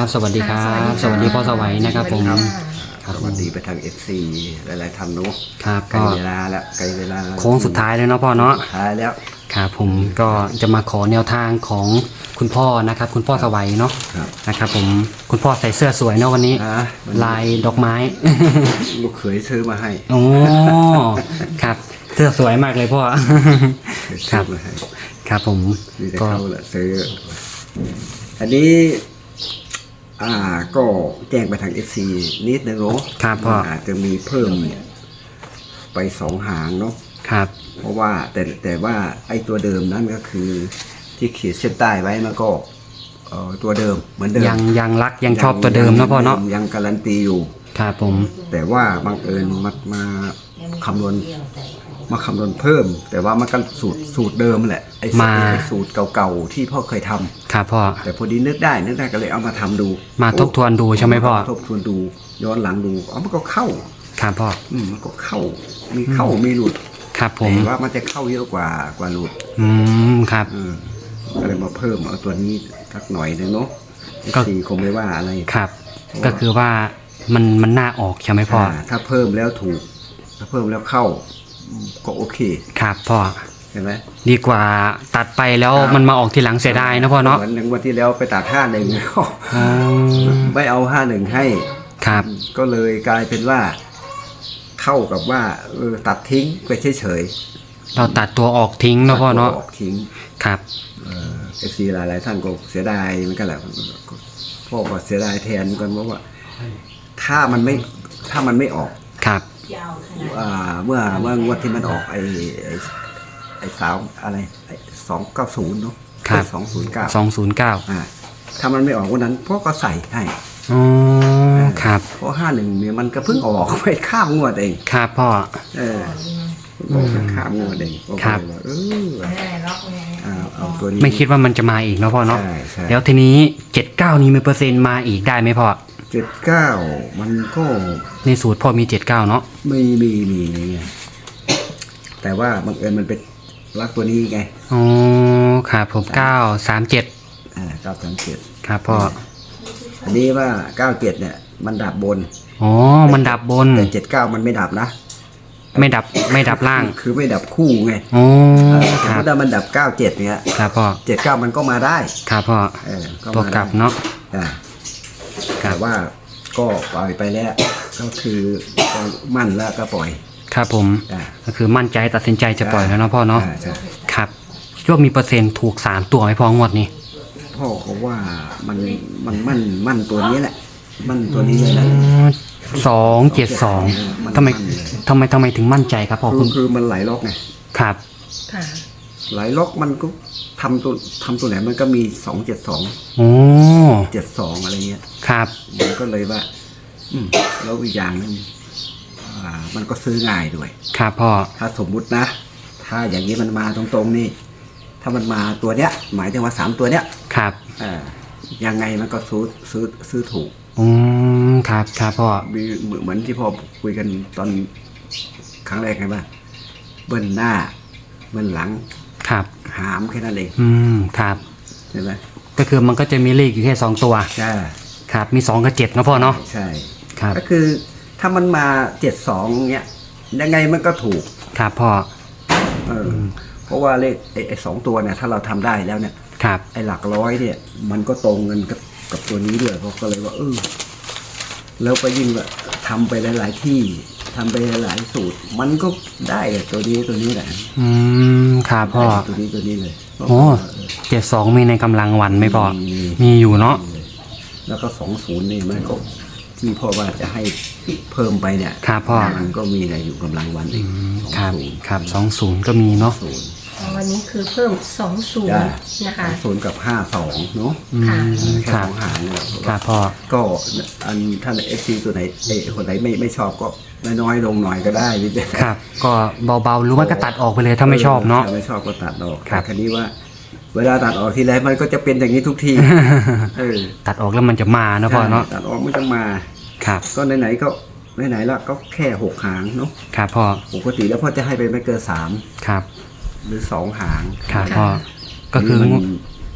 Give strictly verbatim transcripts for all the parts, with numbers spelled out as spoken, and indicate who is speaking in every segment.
Speaker 1: บสวัสดีครับสวัสดีพ่อสวัยนะครับผม
Speaker 2: สวัสดีไปทาง เอฟ ซี หลายๆท่านเนาะ
Speaker 1: ครับ
Speaker 2: ใกล้
Speaker 1: ก็
Speaker 2: เวลาแล้วใกล้เวลา
Speaker 1: โค้งสุดท้ายเลยเนาะพ่อเนาะ
Speaker 2: สุดท้ายแล้ว
Speaker 1: ครับผมก็จะมาขอแนวทางของคุณพ่อนะครับคุณพ่อสวัยเนาะนะครับผมคุณพ่อใส่เสื้อสวยเนาะวันนี้ลายดอกไม้
Speaker 2: ลูกเขยซื้อมาให้
Speaker 1: โอ้ครับเสื้อสวยมากเลยพ่อครับครับผม
Speaker 2: ก็เขาแหละซื้ออันนี้อ่าก็แจ้งไปทาง เอฟ ซี นิดนึงเนาะ
Speaker 1: ครับพ่อ
Speaker 2: อาจจะมีเพิ่มไปสองหางเนาะ
Speaker 1: ครับ
Speaker 2: เพราะว่าแต่แต่ว่าไอ้ตัวเดิมนั่นก็คือที่ขีดเส้นใต้ไว้มันก็เอ่อตัวเดิมเหมือนเดิม
Speaker 1: ยังยังรักยังชอบตัวเดิมเนาะพ่อเนาะ
Speaker 2: ยังการันตีอยู่
Speaker 1: ครับผม
Speaker 2: แต่ว่าบังเอิญมามาคำนวณมาคำนวณเพิ่มแต่ว่ามันก็สูตรสูตรเดิมแหละไอ้สูตรเก่าๆที่พ่อเคยทำ
Speaker 1: ครับพ่อ
Speaker 2: แต่พอดีนึกได้นึกได้ก็เลยเอามาทำดู
Speaker 1: มาทบทวนดูใช่ไหมพ่อ
Speaker 2: ทบทวนดูย้อนหลังดูอ๋อมันก็เข้า
Speaker 1: ครับพ่อ
Speaker 2: อืมมันก็เข้ามีเข้ามีหลุด
Speaker 1: ครับผม
Speaker 2: แต่ว่ามันจะเข้าเยอะกว่ากว่าหลุด
Speaker 1: อืมครับ
Speaker 2: ก็เลยมาเพิ่มเอาตัวนี้สักหน่อยนึงเนาะก็สี่คงไม่ว่าอะไร
Speaker 1: ครับก็คือว่ามันมันน่าออกใช่ไหมพ่อ
Speaker 2: ถ้าเพิ่มแล้วถูกถ้าเพิ่มแล้วเข้าก็โอเค
Speaker 1: ครับพ่อ
Speaker 2: เห็นไหม
Speaker 1: ดีกว่าตัดไปแล้วมันมาออกทีหลังเสียดายนะพ่อเนาะ
Speaker 2: เหมือนวันที่แล้วไปตัดห้าหนึ่งไม่เอาห้าหนึ่งให้
Speaker 1: ครับ
Speaker 2: ก็เลยกลายเป็นว่าเข้ากับว่าเออตัดทิ้งไปเฉย
Speaker 1: ๆเราตัดตัวออกทิ้งนะพ่อเนาะ
Speaker 2: ออกทิ้ง
Speaker 1: ครับ
Speaker 2: เอฟซีหลายๆท่านก็เสียดายเหมือนกันแหละพ่อก็เสียดายแทนกันเพราะว่าถ้ามันไม่ถ้ามันไม่ออก
Speaker 1: ครับ
Speaker 2: เมื่อเมื่องวดที่มันออกไอ้ไอ้ไอ้สาวอะไรไอ้สองเก้าศูนย์เนาะ
Speaker 1: ครับ
Speaker 2: สองศูนย์เก้า
Speaker 1: สองศูนย์เก้า
Speaker 2: อ่าถ้ามันไม่ออกวันนั้นพ่อก็ใส่ให้
Speaker 1: อ๋อครับ
Speaker 2: เพราะห้าหนึ่งเนี่ยมันก็เพิ่งออกไปข้ามงวดเอง
Speaker 1: ครับพ่อ
Speaker 2: เออออกไปข้ามงวดเอง
Speaker 1: ครับ
Speaker 2: เออเอาตัวนี้
Speaker 1: ไม่คิดว่ามันจะมาอีกเนาะพ่อเนาะแล้วทีนี้เจ็ดเก้านี้มีเปอร์เซ็นต์มาอีกได้ไหมพ่อ
Speaker 2: เจ็ดเก้ามันก็
Speaker 1: ในสูตรพ่อมีเจ็ดเก้าเนาะ
Speaker 2: ไม่มีมีไงแต่ว่าบังเอิญมันเป็นรักตัวนี้ไง
Speaker 1: อ๋อครับผมเก้าสามเจ็ด
Speaker 2: อ่าเก้าสามเจ็ด
Speaker 1: ครับพ่อ
Speaker 2: อันนี้ว่าเก้าเจ็ดเนี่ยมันดับบน
Speaker 1: อ๋อมันดับบน
Speaker 2: แต่เจ็ดเก้ามันไม่ดับนะ
Speaker 1: ไม่ดับไม่ดับล่าง
Speaker 2: คือไม่ดับคู่ไง
Speaker 1: อ๋อครับ
Speaker 2: ถ้ามันดับเก้าเจ็ดเนี่ย
Speaker 1: ครับพ่อ
Speaker 2: เจ็ดเก้ามันก็มาได้
Speaker 1: ครับพ่อ
Speaker 2: เออ
Speaker 1: ตัวกลับเนาะ
Speaker 2: อ่าแต่ว่าก็ปล่อยไปแล้วก็คือมั่นแล้วก็ปล่อย
Speaker 1: ครับผมก็คือมั่นใจตัดสินใจจะปล่อยแล้วเนาะพ่อเนาะครับช่วงมีเปอร์เซ็นต์ถูกสามตัวไหมพ่องวดนี้
Speaker 2: พ่อเขาว่ามันมันมั่นมั่นตัวนี้แหละมั่นตัวนี้เลยนะ
Speaker 1: สองเจ็ดสองทำไมทำไมทำไมถึงมั่นใจครับพ่อ
Speaker 2: คือคือมันไหลล็อกไง
Speaker 1: ครับ
Speaker 2: ไหลล็อกมันก็ทำตัวทำตัวไหนมันก็มีสองเจ็ดสอง
Speaker 1: โอ้
Speaker 2: เจ็ดสองอะไรเงี้ย
Speaker 1: ครับ
Speaker 2: มันก็เลยว่าอืมแล้วอีกอย่างนึงอ่ามันก็ซื้อง่ายด้วย
Speaker 1: ครับพ่อ
Speaker 2: ถ้าสมมุตินะถ้าอย่างนี้มันมาตรงๆนี่ถ้ามันมาตัวเนี้ยหมายถึงว่าสามตัวเนี้ย
Speaker 1: ครับ
Speaker 2: อ่ายังไงมันก็ซื้อซื้อซื้อถูก
Speaker 1: อืมครับครับพ่อ
Speaker 2: มีเหมือนที่พ่อคุยกันตอนครั้งแรกไงว่าเบิ้ลหน้าเบิ้ลหลัง
Speaker 1: ครับ
Speaker 2: หามแค่นั้นเอง
Speaker 1: อืมครับ
Speaker 2: ใช่ไหม
Speaker 1: ก็คือมันก็จะมีเลขอยู่แค่สองตัว
Speaker 2: ใช่
Speaker 1: ครับมีสองกับเจ็ดนะพ่อเนาะ
Speaker 2: ใช่ครับก็คือถ้ามันมาเจ็ดสองเนี้ยยังไงมันก็ถูก
Speaker 1: ครับพ่อ
Speaker 2: เออเพราะว่าเลขไอ้สองตัวเนี่ยถ้าเราทำได้แล้วเนี่ย
Speaker 1: ครับ
Speaker 2: ไอ้หลักร้อยเนี่ยมันก็ตรงกันกับกับตัวนี้ด้วยเขาก็เลยว่าเออแล้วไปยิ่งแบบทำไปหลายๆที่ทำไปหลายสูตรมันก็ได้ตัวนี้ตัวนี้แหละ
Speaker 1: อืมครับพ่อ
Speaker 2: ตัวนี้ตัวนี้เลย
Speaker 1: โอ้เจ็ดสองมีในกำลังวันไหมพ่อมีอยู่เนาะ
Speaker 2: แล้วก็สองศูนย์นี่มันก็ที่พ่อว่าจะให้เพิ่มไปเนี่ย
Speaker 1: ครับพ่อ
Speaker 2: มันก็มีอะไรอยู่กำลังวันอีก
Speaker 1: ครับครับสองศูนย์ก็มีเนาะ
Speaker 3: วันนี้คือเพิ่มสองศูนย์นะคะ
Speaker 2: ศูนย์กับห้าสองเนาะ
Speaker 3: ค่ะ
Speaker 2: แค่สองหางเนี่ย
Speaker 1: ครับพ่อ
Speaker 2: ก็อันท่านเอฟซีตัวไหนเอคนไหนไม่ไม่ชอบก็น้อยลงหน่อยก็ได้พี่เจ้
Speaker 1: ครับก็เบาๆหรือว่าก็ตัดออกไปเลยถ้าไม่ชอบเนาะ
Speaker 2: ไม่ชอบก็ตัดออกครับคันนี้ว่าเวลาตัดออกทีไรมันก็จะเป็นอย่างนี้ทุกทีเออ
Speaker 1: ตัดออกแล้วมันจะมานะพ่อเนาะ
Speaker 2: ตัดออกมันจะมา
Speaker 1: ครับ
Speaker 2: ก็ไหนๆก็ไหนๆแล้วก็แค่หกหางเนาะ
Speaker 1: ครับพ่อ
Speaker 2: ปกติแล้วพ่อจะให้ไปไม่เกินสาม
Speaker 1: ครับ
Speaker 2: หรือสองหาง
Speaker 1: ครับพ่อก็คือ
Speaker 2: พ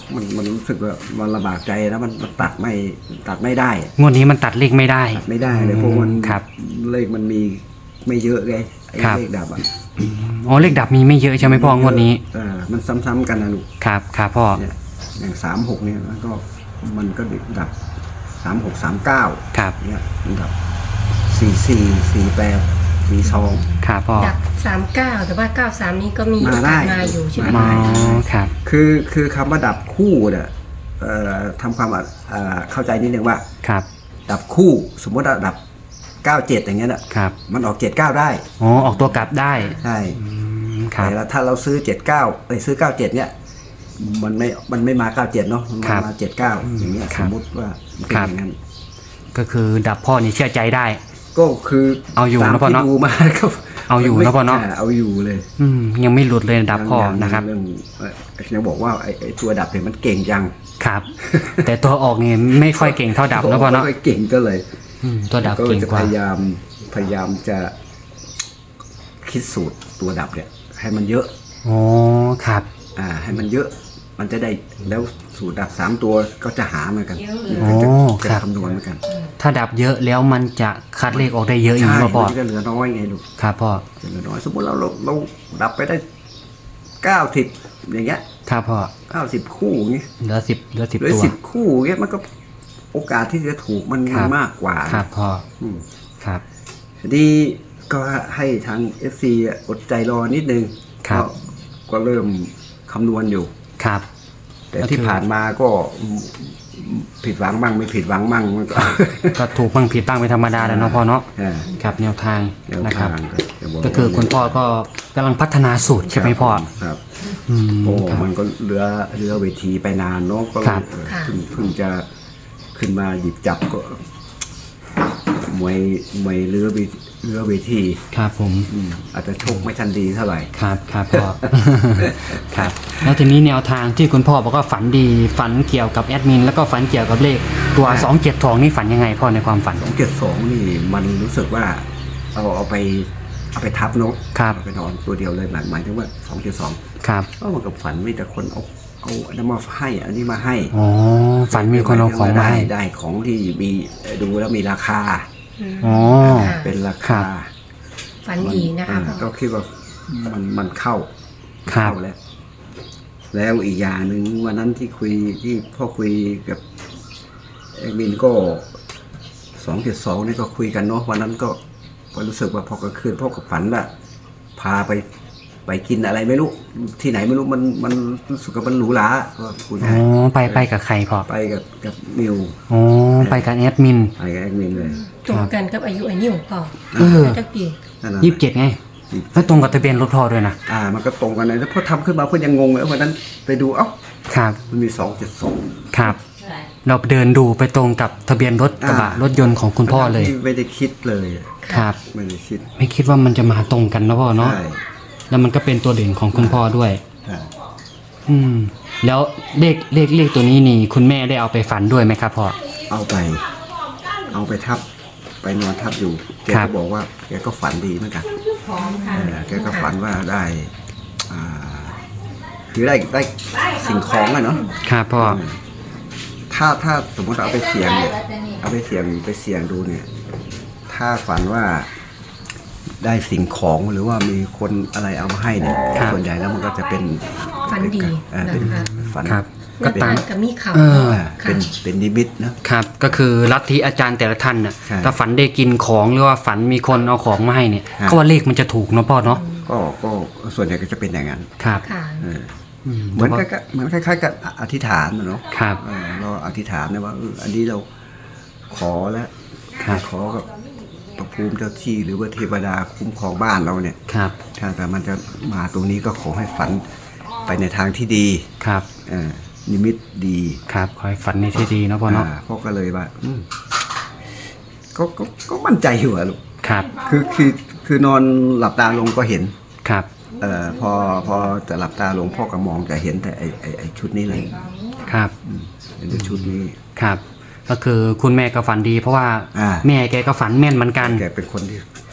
Speaker 2: มันมันรู้สึกว่ามันลำบากใจแล้วมันมันตัดไม่ตัดไม่ได้
Speaker 1: งวดนี้มันตัดเลขไม่ได้
Speaker 2: ตัดไม่ได้เลยเพราะมัน
Speaker 1: ครับ
Speaker 2: เลขมันมีไม่เยอะไงไอ้
Speaker 1: ครับ
Speaker 2: เลขดับอ่ะ
Speaker 1: อ๋อเลขดับมีไม่เยอะใช่ไหมพ่องวดนี้
Speaker 2: เออมันซ้ำๆกันนะลูก
Speaker 1: ครับครับพ่อ
Speaker 2: เนี่ยอย่างสามหกเนี่ยมันก็มันก็ดับสามหกสามเก้า
Speaker 1: ครับ
Speaker 2: เนี่ยมันดับสี่สี่สี่แปดสี่สอง
Speaker 1: ครับพ่อ
Speaker 3: ดับสามเก้าแต่ว่าเก้าสามนี้ก็มี
Speaker 2: มาได้
Speaker 3: มาอยู่ใช่ไหม
Speaker 1: อ๋อ
Speaker 3: คะ
Speaker 1: ครับ
Speaker 2: คือคือคำว่าดับคู่เนี่ยเอ่อทำความเอ่อเข้าใจนิดนึงว่า
Speaker 1: ครับ
Speaker 2: ดับคู่สมมติว่าดับเก้าเจ็ดอย่างเงี้ยน่ะ
Speaker 1: ครับ
Speaker 2: มันออกเจ็ดเก้าได้
Speaker 1: อ๋อออกตัวกลับได้
Speaker 2: ใช่
Speaker 1: อืมครับ
Speaker 2: แต่ถ้าเราซื้อเจ็ดเก้าไปซื้อเก้าเจ็ดเนี่ยมันไม่มันไม่มาเก้าเจ็ดเนาะมัน
Speaker 1: ครับ
Speaker 2: มาเจ็ดเก้าอย่างเงี้ย
Speaker 1: ค
Speaker 2: ส
Speaker 1: รับ
Speaker 2: มมติว่ามันเป็น
Speaker 1: ครับ
Speaker 2: อย่างนั้น
Speaker 1: ก็คือดับพ่อนี่เชื่อใจได้
Speaker 2: ก็คือ
Speaker 1: เอาอยู่
Speaker 2: ตาม
Speaker 1: นะพ่อ
Speaker 2: ที่
Speaker 1: เนาะ
Speaker 2: ดูมาก็
Speaker 1: เอาอยู่นะพ่อเนาะ
Speaker 2: เอาอยู่เลย
Speaker 1: อืมยังไม่หลุดเลยดับพ่อ
Speaker 2: ยัง
Speaker 1: นะครับ
Speaker 2: เรื่องเอ่อยังบอกว่าไอ้ไอ้ตัวดับเนี่ยมันเก่งจัง
Speaker 1: ครับ แต่ตัวออกนี่ไม่ค่อยเก่งเท่าดับนะพ่อเนาะ
Speaker 2: ไม่ค่อยเก่งก็เลย
Speaker 1: อืมตัวดับ
Speaker 2: ก็
Speaker 1: เก่ง
Speaker 2: จะ
Speaker 1: ก
Speaker 2: พ
Speaker 1: ว่า
Speaker 2: ยายามพยายามจะคิดสูตรตัวดับเนี่ย ให้มันเยอะ
Speaker 1: อ๋อครับ
Speaker 2: อ่า ให้มันเยอะ มันจะได้แล้วสูตรดับสามตัวก็จะหาเหมือนกัน
Speaker 1: อ๋อ
Speaker 2: จะ
Speaker 1: ครั
Speaker 2: จะ
Speaker 1: บ
Speaker 2: คำนวณเหมือนกัน
Speaker 1: ถ้าดับเยอะแล้วมันจะคัดเลขออกได้เยอะอย่าง
Speaker 2: ใช่
Speaker 1: นี้ป่ะพ่อ
Speaker 2: มันจะเหลือน้อยไงลูก
Speaker 1: ครับพ่อ
Speaker 2: จะเหลือน้อยสมมติเราเราเราดับไปได้เก้าสิบอย่างเงี้ย
Speaker 1: ครับพ่อ
Speaker 2: เก้าสิบคู่อย่างเงี้ย
Speaker 1: เหลือสิบเหลือสิบ
Speaker 2: เหลือ
Speaker 1: ตัว
Speaker 2: สิบคู่อย่างเงี้ยมันก็โอกาสที่จะถูกมัน
Speaker 1: ครับ
Speaker 2: มากกว่า
Speaker 1: ครับพ่อ
Speaker 2: อืม
Speaker 1: ครับ
Speaker 2: ทีนี้ก็ให้ทาง เอฟ ซี อดใจรอนิดนึง
Speaker 1: ครับ
Speaker 2: ก็ก็เริ่มคำนวณอยู่
Speaker 1: ครับ
Speaker 2: แต่
Speaker 1: ก็คือ
Speaker 2: ที่ผ่านมาก็ผิดหวังบ้างไม่ผิดหวังบ้างมันก็
Speaker 1: ก็ถูกบ้างผิดบ้างเป็นธรรมดาแหล้วเนาะพ่อเนาะ
Speaker 2: อ่า
Speaker 1: ครับแนวทาง
Speaker 2: แนว
Speaker 1: นะครับ
Speaker 2: ทางก็จะบ
Speaker 1: ก็คือคุณพ่อก็กำลังพัฒนาสูตรใช่ไหมพ่อ
Speaker 2: ครับ
Speaker 1: อืม
Speaker 2: โอ้
Speaker 1: ครับ
Speaker 2: มันก็เรือเรือเวทีไปนานเนาะก็
Speaker 1: ครับ
Speaker 2: เออเพิ่งเพิ่งจะขึ้นมาหยิบจับก็มวยมวยเรือเวเรือเวที
Speaker 1: ครับผม
Speaker 2: อืมอาจจะโชคไม่ทันดีเท่าไหร่
Speaker 1: ครับครับพ่อ ครับแล้วทีนี้แนวทางที่คุณพ่อบอกว่าฝันดีฝันเกี่ยวกับแอดมินแล้วก็ฝันเกี่ยวกับเลขตัวสองเจ็ดทองนี่ฝันยังไงพ่อในความฝัน
Speaker 2: สองเจ็ดสองนี่มันรู้สึกว่าเอาเอาไปเอาไปทับเนาะ
Speaker 1: ครับ
Speaker 2: เอาไปนอนตัวเดียวเลยหมายหมายถึงว่าสองเจ็ดสอง
Speaker 1: ครับ
Speaker 2: ก็มันกับฝันมีแต่คนเอาเอาอันนั้นมาให้อันนี้มาให้
Speaker 1: อ๋อฝันมีคนเอาของมา
Speaker 2: ได้
Speaker 1: ให้
Speaker 2: ได้ของที่มีดูแล้วมีราคา
Speaker 1: อ๋อ
Speaker 3: ค่ะ
Speaker 2: เป็นรา
Speaker 1: ครั
Speaker 2: คา
Speaker 1: บ
Speaker 3: ฝันดีนะคะ
Speaker 2: อ่า
Speaker 3: พ่อ
Speaker 2: ก็คิดว่ามันมันเข้า
Speaker 1: ครับ
Speaker 2: เข้าแล้ว แล้วอีกอย่างหนึ่งวันนั้นที่คุยที่พ่อคุยกับเอ็กมินก็สองเจ็ดสองนี่ก็คุยกันเนาะวันนั้นก็ก็รู้สึกว่าพอกลางคืนพ่อกับฝันว่าพาไปไปกินอะไรไม่รู้ที่ไหนไม่รู้มันมันรู้สึกว่ามันหรูหราก็คุย
Speaker 1: อ๋อไปไปกับใครพ่อ
Speaker 2: ไปกับกับมิว
Speaker 1: อ๋อไปกับแอดมิน
Speaker 2: ไปกับแอ็กมินเลย
Speaker 3: ตรงกันกับอายุไอ้นิ้วพ่อ
Speaker 1: เออ
Speaker 3: ตะกี้
Speaker 2: นั่นน่ะ
Speaker 1: ยี่สิบเจ็ดไงแล้วตรงกับทะเบียนรถพ่อด้วยนะ
Speaker 2: อ่า มันก็ตรงกันเลยแล้วพอทำขึ้นมาเพื่อนยังงงเลยวันนั้นไปดูเอ้า
Speaker 1: ครับ
Speaker 2: มันมีสองเจ็ดสอง
Speaker 1: ครับ เราเดินดูไปตรงกับทะเบียนรถกระบะ
Speaker 2: อ่าร ร
Speaker 1: ถยนต์ของคุณพ่อเลย
Speaker 2: ไม่ได้คิดเลย
Speaker 1: ครับ
Speaker 2: ไม่ได้คิด
Speaker 1: ไม่คิดว่ามันจะมาตรงกันนะพ่อเนาะ
Speaker 2: ใช่
Speaker 1: แล้วมันก็เป็นตัวเด่นของคุณพ่อด้วย
Speaker 2: ใช่
Speaker 1: อืม แล้วเลขเลขเลขตัวนี้นี่ คุณแม่ได้เอาไปฝันด้วยไหมครับพ่อ
Speaker 2: เอาไป เอาไปทับ ไปนอนทับอยู่แก
Speaker 1: ครั
Speaker 2: ก็
Speaker 1: บ
Speaker 2: บอกว่าแกก็ฝันดีเหมือนกัน
Speaker 3: พร้อมค่ะ
Speaker 2: เออแกก็ฝันว่าได้อ่าคือได้ได้สิ่งของอะเนาะ
Speaker 1: ครับพ่อ
Speaker 2: เออถ้าถ้าสมมติเอาไปเสี่ยงเนี่ยเอาไปเสี่ยงไปเสี่ยงดูเนี่ย ถ้าฝันว่าได้สิ่งของหรือว่ามีคนอะไรเอามาให้เนี่ย
Speaker 1: ครับ
Speaker 2: ส่วนใหญ่แล้วมันก็จะเป็น
Speaker 3: ฝันดี
Speaker 2: เออเป็น
Speaker 3: นะคะ
Speaker 2: ฝัน
Speaker 1: ครับ
Speaker 3: ก็
Speaker 1: ก็
Speaker 3: ตา
Speaker 1: ตาม
Speaker 3: มกับมีข่าว
Speaker 1: เออ
Speaker 2: อ่าเป็นเป็นนิมิตนะครับ
Speaker 1: ก็คือลัทธิอาจารย์แต่ละท่านน่ะ
Speaker 2: ใช่
Speaker 1: ถ้าฝันได้กินของหรือว่าฝันมีคนเอาของมาให้เนี่ย
Speaker 2: ครับ
Speaker 1: เขาว่าเลขมันจะถูกเนาะพ่อเนาะ
Speaker 2: ก็ก็ส่วนใหญ่ก็จะเป็นอย่างนั้น
Speaker 1: ครับ
Speaker 3: ค่ะ
Speaker 2: เออ
Speaker 1: อืม
Speaker 2: เหมือนกับเหมือนคล้ายๆกับอธิษฐานนะเนาะ
Speaker 1: ครับ
Speaker 2: เออเราอธิษฐานนะว่าเอออันนี้เราขอแล้ว
Speaker 1: ครับ
Speaker 2: ขอกับพระภูมิเจ้าที่หรือว่าเทวดาคุ้มครองบ้านเราเนี่ย
Speaker 1: ครับ
Speaker 2: ถ้าแต่มันจะมาตรงนี้ก็ขอให้ฝันไปในทางที่ดี
Speaker 1: ครับ
Speaker 2: เออนิมิตดี
Speaker 1: ครับขอให้ฝันในที่ดีเนาะพ่อเนาะ
Speaker 2: อ่าพ่อก็เลยว่าอืมก็ก็ก็มั่นใจอยู่อะลูก
Speaker 1: ครับ
Speaker 2: คือคือคือนอนหลับตาลงก็เห็น
Speaker 1: ครับ
Speaker 2: เอ่อพอพอจะหลับตาลงพ่อก็มองจะเห็นแต่ไอไอไอชุดนี้เลย
Speaker 1: ครับ
Speaker 2: อืมเห็นแต่ชุดนี้
Speaker 1: ครับ ก็คือคุณแม่ก็ฝันดี เพราะว่า
Speaker 2: อ่า
Speaker 1: แม่แกก็ฝันแม่นเหมือนกัน
Speaker 2: แกเป็นคนที่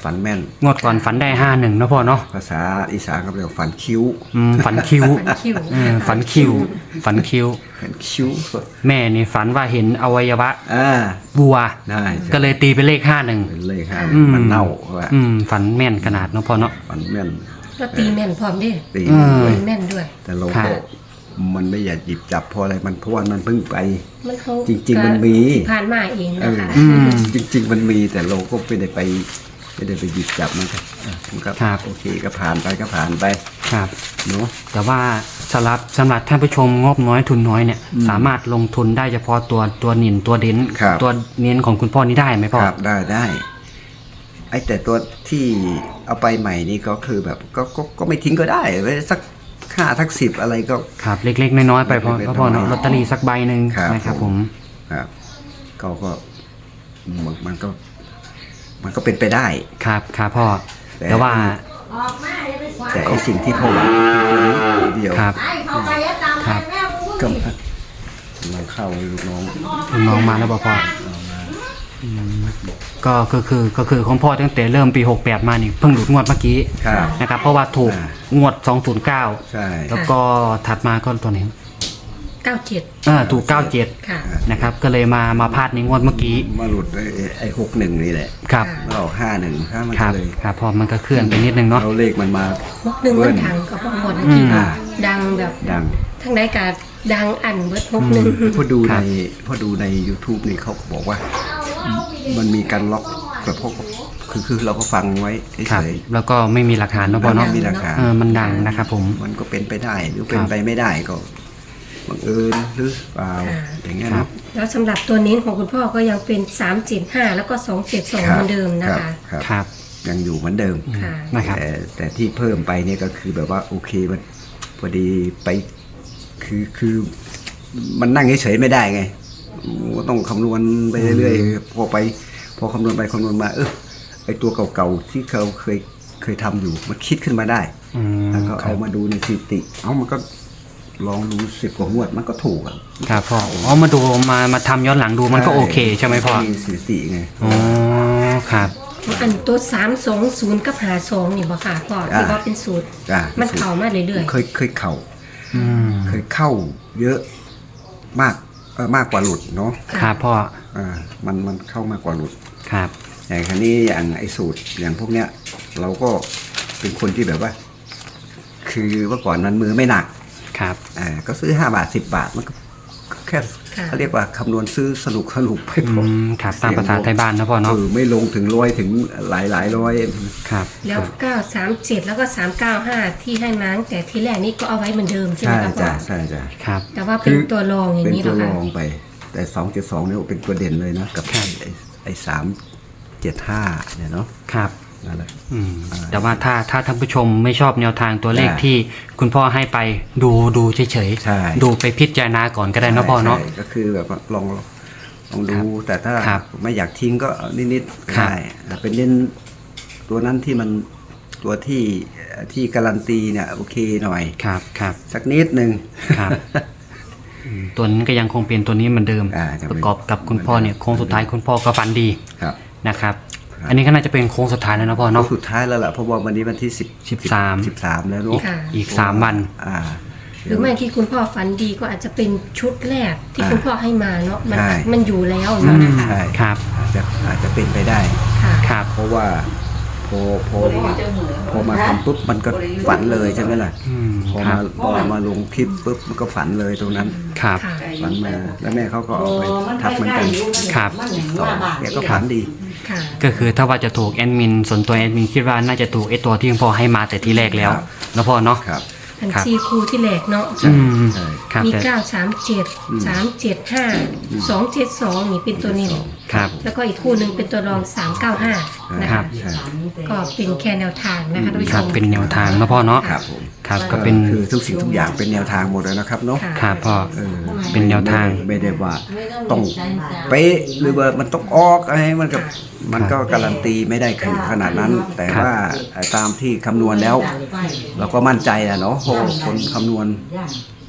Speaker 2: ฝันแม่น
Speaker 1: งวดก่อนฝันได้ห้าหนึ่งนะพ่อเนาะ
Speaker 2: ภาษาอีสานเขาเรียกว่าฝันคิ้ว
Speaker 1: อืมฝันคิ้ว
Speaker 3: ฝันคิ้ว
Speaker 1: เออฝันคิ้วฝันคิ้ว
Speaker 2: ฝันคิ้ว
Speaker 1: แม่นี่ฝันว่าเห็นอวัยวะ
Speaker 2: อ่า
Speaker 1: วัว
Speaker 2: ได้ใช่
Speaker 1: ก็เลยตีเป็นเลขห้าหนึ่ง
Speaker 2: เป็นเลขห้า
Speaker 1: อืม
Speaker 2: มันเน่าว่า
Speaker 1: อืมฝันแม่นขนาดเนาะพ่อเนาะ
Speaker 2: ฝันแม่น
Speaker 3: ก็ตีแม่นพร้อมเด้
Speaker 2: ตี
Speaker 1: อืม
Speaker 2: ด้วย
Speaker 3: ตีแม่นด้วย
Speaker 2: แต่เรา
Speaker 1: ครั
Speaker 2: ก็
Speaker 1: บ
Speaker 2: มันไม่อยากหยิบจับเพราะอะไรมันเพราะว่ามันเพิ่งไป
Speaker 3: มันเขา
Speaker 2: จริงๆมันมี
Speaker 3: ผ่านมาเองนะคะ
Speaker 1: อืม
Speaker 2: จริง ๆ มันมีแต่เราก็ไม่ได้ไปไม่ได้ไปหยิบจับมันก็อ่ะมันก็
Speaker 1: ครับ
Speaker 2: โอเคก็ผ่านไปก็ผ่านไป
Speaker 1: ครับ
Speaker 2: เนาะ
Speaker 1: แต่ว่าสำหรับสำหรับท่านผู้ชมงบน้อยทุนน้อยเนี่ย
Speaker 2: อืม
Speaker 1: สามารถลงทุนได้เฉพาะตัวตัวนินตัวเด่น
Speaker 2: ครับ
Speaker 1: ตัวเน้นของคุณพ่อนี่ได้ไหมพ่อ
Speaker 2: ครับได้ได้ไอ้แต่ตัวที่เอาไปใหม่นี่ก็คือแบบก็ก็ก็ไม่ทิ้งก็ได้ไว้สักห้าทักสิบอะไรก็
Speaker 1: ครับเล็กๆน้อยๆไปพ่อ
Speaker 2: เล็กๆ
Speaker 1: ก็พ่อเนาะ
Speaker 2: น้อยๆ
Speaker 1: ลอตเตอรี่สักใบหนึ่ง
Speaker 2: ครับ
Speaker 1: นะครับผม
Speaker 2: ครับก็ก็มันมันก็ มันก็เป็นไปได้
Speaker 1: ครับครับพ่อ
Speaker 2: แต่
Speaker 1: แต่ว่า
Speaker 2: แต่ไอ้สิ่งที่พ่อหวังคือตัวนี้ตัวเดียว
Speaker 1: ครับครับ
Speaker 2: ก็เราเข้าให้ลูกน้อง
Speaker 1: ลูกน้องมาแล้วบอกพ่ออืมก็ก็คือก็คือของพ่อตั้งแต่เริ่มปีหกแปดมานี่เพิ่งหลุดงวดเมื่อกี้
Speaker 2: ครับ
Speaker 1: นะครับ เพราะว่าถูก
Speaker 2: อ่า
Speaker 1: งวดสองศูนย์เก้า
Speaker 2: ใช่
Speaker 1: แล้วก็ถัดมาก็ตัวไหน
Speaker 3: เก้าเจ็ด
Speaker 1: เออถูกเก้าเจ็ด
Speaker 3: ค่ะ
Speaker 1: นะครับ ก็เลยมามาพลาดในงวดเมื่อกี้
Speaker 2: มาหลุดไอ้ไอ้หกหนึ่งนี่แหละ
Speaker 1: ครับ
Speaker 2: มาออกห้าหนึ่งห้ามัน
Speaker 1: ค
Speaker 2: ก็
Speaker 1: รับ
Speaker 2: เลย
Speaker 1: ครับพอมันก็เคลื่อนไปนิดนึงเนาะ
Speaker 2: เราเลขมันมา
Speaker 3: หกหนึ่ง
Speaker 2: เบิ้
Speaker 3: มัน
Speaker 2: ล
Speaker 3: ดังก็พอหมดเมื่อกี้
Speaker 1: อืม
Speaker 3: ดังแบบ
Speaker 2: ดัง
Speaker 3: ทั้งใดกาดังอันเบิดหกหนึ่ง
Speaker 2: พอดู
Speaker 1: ครั
Speaker 2: ใน
Speaker 1: บ
Speaker 2: พอดูใน YouTube นี่เขาบอกว่า มันมีการล็อกแบบพวกคือคือเราก็ฟังไว้
Speaker 1: ครับ
Speaker 2: เฉย
Speaker 1: แล้วก็ไม่มีหลักฐานเนาะพ่อ
Speaker 2: ๆ
Speaker 1: เนาะ
Speaker 2: มีราคา
Speaker 1: เออมันดังนะครับผม
Speaker 2: มันก็เป็นไปได้หรือเป็
Speaker 1: คน รับ
Speaker 2: ไปไม่ได้ก็บังเอิญหรือเปล่าอย่างเงี้ย
Speaker 1: ครั
Speaker 2: นะ
Speaker 1: บ
Speaker 3: แล้วสำหรับตัวนี้ของคุณพ่อก็ยังเป็นสามเจ็ดห้าแล้วก็สองเจ็ดสองเหมือนเดิมนะคะ
Speaker 2: ครับ
Speaker 1: ครับ
Speaker 2: ยังอยู่เหมือนเดิม
Speaker 3: ค่ะ
Speaker 1: นะครับ
Speaker 2: แต่แต่ที่เพิ่มไปเนี่ยก็คือแบบว่าโอเคมันพอดีไปคือคือมันนั่งเฉยๆไม่ได้ไงก็ต้องคำนวณไปเรื่อยๆพอไป พอคำนวณไปคำนวณมา เออไอตัวเก่าๆที่เขาเคยเคยทำอยู่มันคิดขึ้นมาได้
Speaker 1: อืม
Speaker 2: แล้วก็
Speaker 1: ครั
Speaker 2: เอา
Speaker 1: บ
Speaker 2: มาดูในสถิติ เอามันก็ลองดูสิบกว่างวดมันก็ถูกอ่ะ
Speaker 1: ครับพ่ออ๋อมาดูมามาทำย้อนหลังดูมันก็โอเคใช่ไหมพ่อ
Speaker 2: มีสถิติไง
Speaker 1: อ๋อครับ
Speaker 3: อันตัวสามสองศูนย์กับหาสองนี่บ่ค่ะพ่อที่ว่าเป็นสูตร
Speaker 2: จ้ะ
Speaker 3: มันเข่ามาเรื่อย
Speaker 2: เคยเคยเข่า
Speaker 1: อืม
Speaker 2: เคยเข้าเยอะมากเออมากกว่าหลุดเนาะ
Speaker 1: ครับพ่อ
Speaker 2: อ่ามันมันเข้ามากกว่าหลุด
Speaker 1: ครับ
Speaker 2: อย่างคันนี้อย่างไอ้สูตรอย่างพวกเนี้ย เราก็เป็นคนที่แบบว่า คือเมื่อก่อนนั้นมือไม่หนัก
Speaker 1: ครับ
Speaker 2: อ่าก็ซื้อห้าบาทสิบบาทมันก็ก็แค่เขาเรียกว่าคำนวณซื้อสนุกสนุกไป
Speaker 1: อื
Speaker 2: พอ
Speaker 1: มครับตามภาษาไทยบ้านนะพ่อเนาะ
Speaker 2: เออไม่ลงถึงร้อยถึงหลายหลายร้อย
Speaker 1: ครับ
Speaker 3: ๆ แล้วเก้าสามเจ็ดแล้วก็สามเก้าห้าที่ให้มาตั้งแต่ที่แรกนี่ก็เอาไว้เหมือนเดิมใช่ไหม
Speaker 2: ใช่
Speaker 3: ครับพ่อ
Speaker 2: จ้ะใช่จ้ะ
Speaker 1: ครับ
Speaker 3: แต่ว่าเป็นตัวรองอย่า
Speaker 2: เป็น
Speaker 3: งนี้เหร
Speaker 2: ตัว
Speaker 3: อ
Speaker 2: ร
Speaker 3: คะ
Speaker 2: องไป แต่สองเจ็ดสองเนี่ยเป็นตัวเด่นเลยนะกับ
Speaker 1: ครับ
Speaker 2: ไอ้ไอ้สามเจ็ดห้าเนี่ยเนาะ
Speaker 1: ครับ
Speaker 2: นั่นแหละ
Speaker 1: อืมแต่ว่าถ้าถ้าท่านผู้ชมไม่ชอบแนวทางตัวเลข
Speaker 2: ได้
Speaker 1: ที่คุณพ่อให้ไปดูดูเฉย
Speaker 2: ใช่
Speaker 1: ๆดูไปพิจารณาก่อนก็ได้เนาะพ่อเนาะ
Speaker 2: ใช่ก็คือแบบว่าลองลองดู
Speaker 1: ครับ
Speaker 2: แต่ถ้า
Speaker 1: ครับ
Speaker 2: ไม่อยากทิ้งก็เอานิดๆก็
Speaker 1: ครับ
Speaker 2: ได้แต่เป็นเล่นตัวนั้นที่มันตัวที่ที่การันตีเนี่ยโอเคหน่อย
Speaker 1: ครับครับ
Speaker 2: สักนิดหนึ่ง
Speaker 1: ครับอืมตัวนี้ก็ยังคงเป็นตัวนี้เหมือนเดิม
Speaker 2: อ่ายัง
Speaker 1: ประกอบกับคุณพ่อเนี่ยโค้งสุดท้ายคุณพ่อก็ฟันดี
Speaker 2: ครับ
Speaker 1: นะครับ
Speaker 2: ครับ
Speaker 1: อันนี้ก็น่าจะเป็นโค้งสุดท้ายแล้วนะพ่อ
Speaker 2: เนาะ
Speaker 1: เนาะ
Speaker 2: สุดท้ายแล้วแหละเพราะว่าวันนี้วันที่สิบ
Speaker 1: สิบสาม
Speaker 2: สิบสามแล้วเนาะ
Speaker 3: ค่ะ
Speaker 1: อีกสามวัน
Speaker 2: อ่า
Speaker 3: หรือไม่ที่คุณพ่อฝันดีก็อาจจะเป็นชุดแรกที่
Speaker 2: อ่า
Speaker 3: คุณพ่อให้มาเนาะมัน
Speaker 2: ใช่
Speaker 3: มันอยู่แล้ว
Speaker 1: อื
Speaker 3: เนาะ
Speaker 1: ม
Speaker 3: นะคะ
Speaker 2: ใช่
Speaker 1: ครับ
Speaker 2: อาจจะอาจจะเป็นไปได้
Speaker 3: ค่ะ
Speaker 1: ครับ
Speaker 2: เพราะว่าพอพอพอมาทำปุ๊บมันก็ฝันเลยใช่ไหมล่ะ
Speaker 1: อืม
Speaker 2: พอ
Speaker 1: ครั
Speaker 2: มา
Speaker 1: บ
Speaker 2: พอมาลงคลิปปุ๊บมันก็ฝันเลยตรงนั้น
Speaker 1: ครับ
Speaker 3: ค่ะ
Speaker 2: ฝันมาแล้วแม่เขาก็เอาไปทักเหมือนกัน
Speaker 1: ครับ
Speaker 2: ต่อแกก็ฝันดี
Speaker 3: ค่ะ
Speaker 1: ก็คือถ้าว่าจะถูกแอดมินส่วนตัวแอดมินคิดว่าน่าจะถูกไอตัวที่คุณพ่อให้มาแต่ที่แรกแล้ว
Speaker 2: ครับ
Speaker 1: นะพ่อเนาะ
Speaker 2: ครับ
Speaker 3: อัน
Speaker 1: ครับ
Speaker 3: ซีคูที่แหลกเนาะ
Speaker 1: อืม
Speaker 2: ใช่
Speaker 1: ครับ
Speaker 3: มี
Speaker 1: แต่
Speaker 3: เก้าสามเจ็ดสามเจ็ดห้าสองเจ็ดสองนี่เป็นตัวนี้
Speaker 1: ครับ
Speaker 3: แล้วก็อีกคู่หนึ่งเป็นตัวรองสามเก้าห้านะ
Speaker 1: ครั
Speaker 3: คะ
Speaker 1: บ
Speaker 2: ใช่
Speaker 3: ก็เป็นแค่แนวทางนะคะท่านผู้
Speaker 1: ค
Speaker 3: ช
Speaker 1: รับ
Speaker 3: ม
Speaker 1: เป็นแนวทางนะพ่อเนาะ
Speaker 2: ครับผม
Speaker 1: ครับก็เป็น
Speaker 2: คือทุกสิ่งทุกอย่างเป็นแนวทางหมดเลยนะครับเนาะ
Speaker 3: ค่ะ
Speaker 1: ครับพ่อ
Speaker 2: เออ
Speaker 1: เป็นแนวทาง
Speaker 2: ไม่ได้ว่าต้องเป๊ะหรือว่ามันต้องออกอะไรมันก็มันก็การันตีไม่ได้ขนาดนั้น แต่ว่าตามที่คำนวณแล้ว เราก็มั่นใจอะเนาะเพราะคนคำนวณ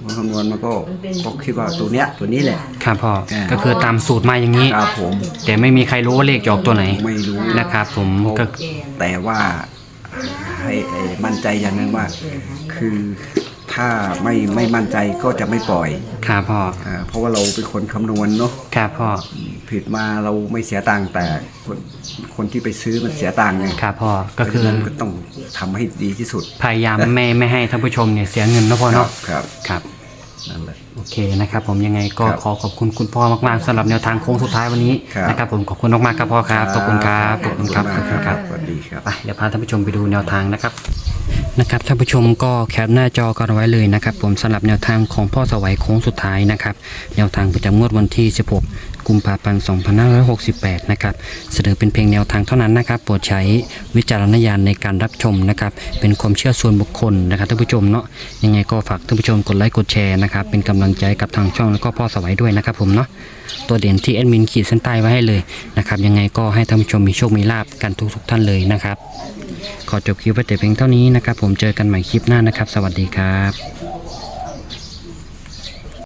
Speaker 2: คำนวณมันก็ก็คิดว่าตัวเนี้ยตัวนี้แหละ
Speaker 1: ครับพ่อ
Speaker 2: อ่า
Speaker 1: ก็คือตามสูตรมาอย่างนี้
Speaker 2: ครับผม
Speaker 1: แต่ไม่มีใครรู้ว่าเลขจะออกตัวไหน
Speaker 2: ไม่รู้
Speaker 1: นะครับผมก็
Speaker 2: แต่ว่าให้ให้มั่นใจอย่างนึงว่า คือถ้าไม่ไม่มั่นใจก็จะไม่ปล่อย
Speaker 1: ครับพ่อ
Speaker 2: อ่าเพราะว่าเราเป็นคนคำนวณเนาะ
Speaker 1: ครับพ่อ
Speaker 2: ผิดมาเราไม่เสียตังค์แต่คนคนที่ไปซื้อมันเสียตังค์ไง
Speaker 1: ครับพ่อก็คือ
Speaker 2: มันก็ต้องทำให้ดีที่สุด
Speaker 1: พยายามไม่ไม่ให้ท่านผู้ชมเนี่ยเสียเงินนะพ่อเนาะ
Speaker 2: ครับ
Speaker 1: ครับ
Speaker 2: นั่นแหละ
Speaker 1: โอเคนะครับผมยังไงก็
Speaker 2: ครับ
Speaker 1: ขอขอบคุณคุณพ่อมากๆสำหรับแนวทางโค้งสุดท้ายวันนี้
Speaker 2: ครับ
Speaker 1: นะครับผมขอบคุณมากๆครับพ่อครับขอบคุณครับขอบคุณครับ
Speaker 2: ข
Speaker 1: ข
Speaker 2: อ
Speaker 1: อ
Speaker 2: บบ คุ
Speaker 1: คุณ ณ
Speaker 2: ค
Speaker 1: ค
Speaker 2: รั
Speaker 1: รั
Speaker 2: บบ สวัสดีครับ
Speaker 1: ไปเดี๋ยวพาท่านผู้ชมไปดูแนวทางนะครับนะครับท่านผู้ชมก็แคปหน้าจอกันไว้เลยนะครับผมสำหรับแนวทางของพ่อสวัยโค้งสุดท้ายนะครับแนวทางประจำงวดวันที่สิบหกกุมภาพันธ์สองพันห้าร้อยหกสิบแปดนะครับเสนอเป็นเพียงแนวทางเท่านั้นนะครับโปรดใช้วิจารณญาณในการรับชมนะครับเป็นความเชื่อส่วนบุคคลนะครับท่านผู้ชมเนาะยังไงก็ฝากท่านผู้ชมกดไลค์กดแชร์นะครับเป็นกำลังใจกับทางช่องแล้วก็พ่อสวัยด้วยนะครับผมเนาะตัวเด่นที่แอดมินขีดเส้นใต้ไว้ให้เลยนะครับยังไงก็ให้ท่านผู้ชมมีโชคมีลาภกันทุกทุกๆท่านเลยนะครับขอจบคลิปไว้แต่เพียงเท่านี้นะครับผมเจอกันใหม่คลิปหน้านะครับสวัสดีครับ